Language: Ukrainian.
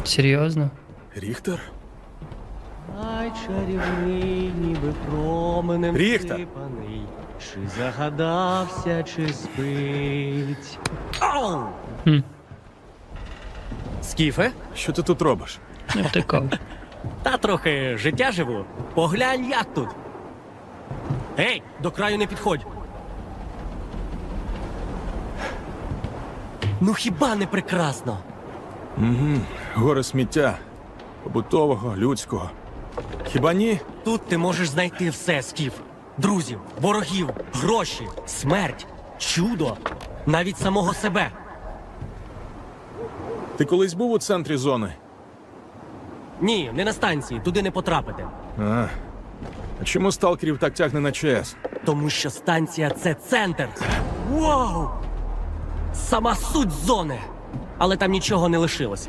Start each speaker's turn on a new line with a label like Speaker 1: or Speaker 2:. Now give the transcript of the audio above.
Speaker 1: Серйозно?
Speaker 2: Ріхтер?
Speaker 3: Ай, чарівний, ніби променем
Speaker 2: Ріхтер!
Speaker 3: сипаний. Чи загадався, чи спить. Ау!
Speaker 1: Хм.
Speaker 3: Скіфе?
Speaker 2: Що ти тут робиш?
Speaker 1: Не втикав.
Speaker 3: Та трохи життя живу. Поглянь, як тут. Ей, до краю не підходь. Ну хіба не прекрасно?
Speaker 2: Гори сміття. Побутового, людського. Хіба ні?
Speaker 3: Тут ти можеш знайти все, Скіф. Друзів, ворогів, гроші, смерть, чудо, навіть самого себе.
Speaker 2: Ти колись був у центрі зони?
Speaker 3: Ні, не на станції, туди не потрапити.
Speaker 2: А чому сталкерів так тягне на ЧС?
Speaker 3: Тому що станція — це центр. Вау! Сама суть зони. Але там нічого не лишилося.